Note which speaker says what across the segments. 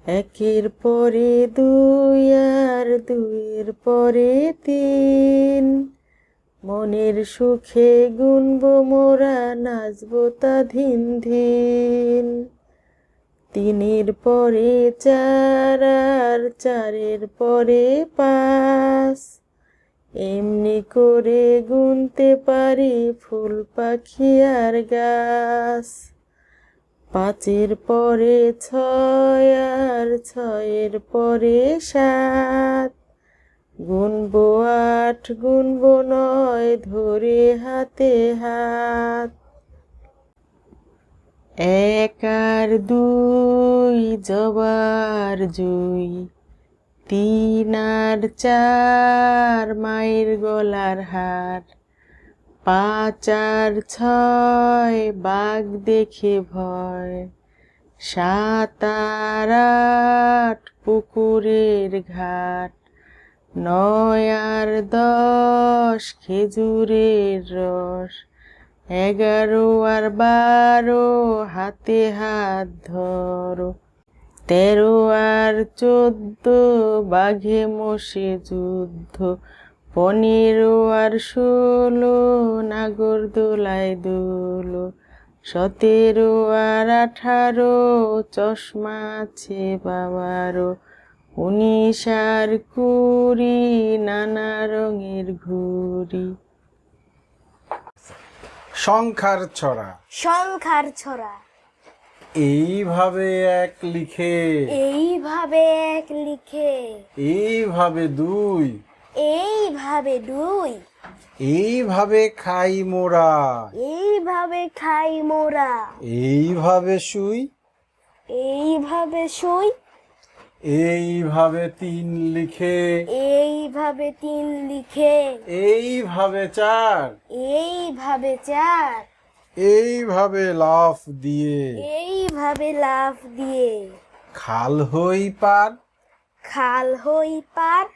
Speaker 1: একের পরে দুই আর দুইয়ের পরে তিন, মনের সুখে গুনবো মোরা, নাচবো তা ধিন ধিন। তিনের পরে চার আর চারের পরে পাঁচ, এমনি করে গুনতে পারি ফুল পাখি আর গাছ। পাঁচের পরে ছয় আর ছয়ের পরে সাত, গুনবো আট গুনবো নয় ধরে হাতে হাত। এক আর দুই জবার জুই, তিন আর চার মায়ের গলার হার, পাঁচ আর ছয় বাঘ দেখে ভয়, সাত আর আট পুকুরের ঘাট, নয় আর দশ খেজুরের রস, 11 আর 12 হাতে হাত ধরো, 13 আর 14 বাঘে মোষে যুদ্ধ, 15 আর 16 নাগরদোলায় দোলো, 17 আর 18 চশমা আছে বাবারও, 19 আর 20 নানা রঙের ঘুড়ি।
Speaker 2: সংখ্যার ছড়া।
Speaker 3: সংখ্যার ছড়া।
Speaker 2: এইভাবে এক লিখে,
Speaker 3: এইভাবে এক লিখে,
Speaker 2: এইভাবে দুই,
Speaker 3: এইভাবে দুই,
Speaker 2: এইভাবে খাই মোরা,
Speaker 3: এইভাবে খাই মোরা,
Speaker 2: এইভাবে শুই,
Speaker 3: এইভাবে শুই,
Speaker 2: এইভাবে তিন লিখে,
Speaker 3: এইভাবে তিন লিখে,
Speaker 2: এইভাবে চার,
Speaker 3: এইভাবে চার,
Speaker 2: এইভাবে লাফ দিয়ে,
Speaker 3: এইভাবে লাফ দিয়ে,
Speaker 2: খাল হই পার,
Speaker 3: খাল হই পার,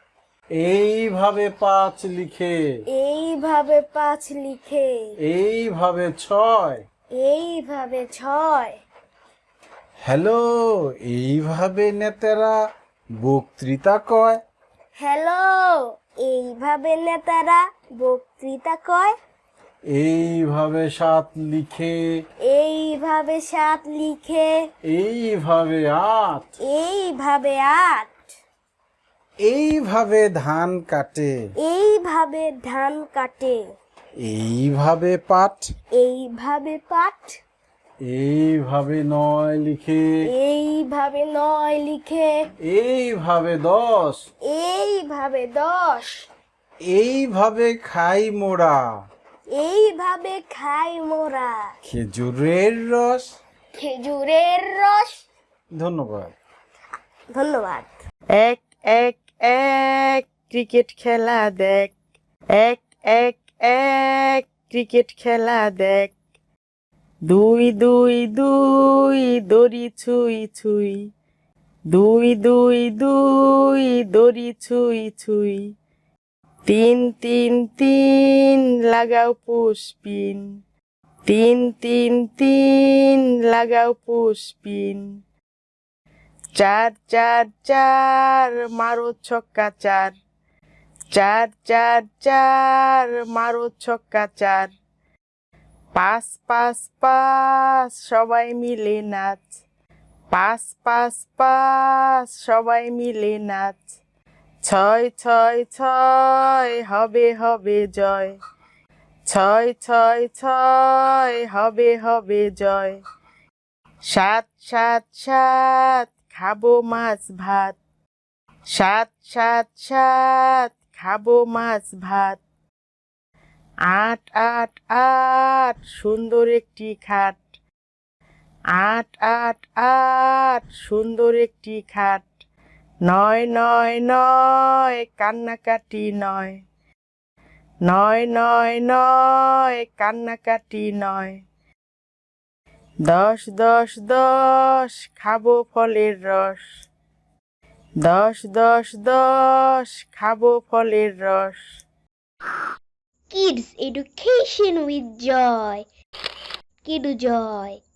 Speaker 2: এইভাবে পাঁচ লিখে,
Speaker 3: এইভাবে পাঁচ লিখে,
Speaker 2: এইভাবে ছয়,
Speaker 3: এইভাবে ছয়।
Speaker 2: হ্যালো, এইভাবে নেতারা বক্তৃতা কয়,
Speaker 3: হ্যালো, এইভাবে নেতারা বক্তৃতা কয়,
Speaker 2: এইভাবে সাত লিখে,
Speaker 3: এইভাবে সাত লিখে,
Speaker 2: এইভাবে আট,
Speaker 3: এইভাবে আট,
Speaker 2: এইভাবে ধান কাটে,
Speaker 3: এইভাবে ধান কাটে,
Speaker 2: এইভাবে পাট,
Speaker 3: এইভাবে পাট,
Speaker 2: এইভাবে নয় লিখে,
Speaker 3: এইভাবে নয় লিখে,
Speaker 2: এইভাবে 10,
Speaker 3: এইভাবে 10,
Speaker 2: এইভাবে খাই মোরা,
Speaker 3: এইভাবে খাই মোরা,
Speaker 2: খেজুরের রস।
Speaker 3: খেজুরের রস।
Speaker 2: ধন্যবাদ।
Speaker 3: ধন্যবাদ।
Speaker 1: এক এক এক ক্রিকেট খেলা দেখ, এক এক এক ক্রিকেট খেলা দেখ, 2 2 2 দড়ি ছুঁই ছুঁই, 2 2 2 দড়ি ছুঁই ছুঁই, 3 3 3 লাগাও পুশপিন, 3 3 3 লাগাও পুশপিন, 4 4 4 মারো ছক্কা 4, 4 4 4 মারো ছক্কা 4, 5 5 5 সবাই মিলে নাচ, 5 5 5 সবাই মিলে নাচ, 6 6 6 হবে হবে জয়, 6 6 6 হবে হবে জয়, 7 7 7 খাবো মাছ ভাত, 7 7 7 খাবো মাছ ভাত, 8 8 8 সুন্দর একটি খাট, 8 8 8 সুন্দর একটি খাট, 9 9 9 কান্নাকাটি নয়, 9 9 9 কান্নাকাটি নয়, 10 10 10 খাবো ফলের রস, 10 10 10 খাবো ফলের রস।
Speaker 3: Kids Education with Joy. Kidu Joy.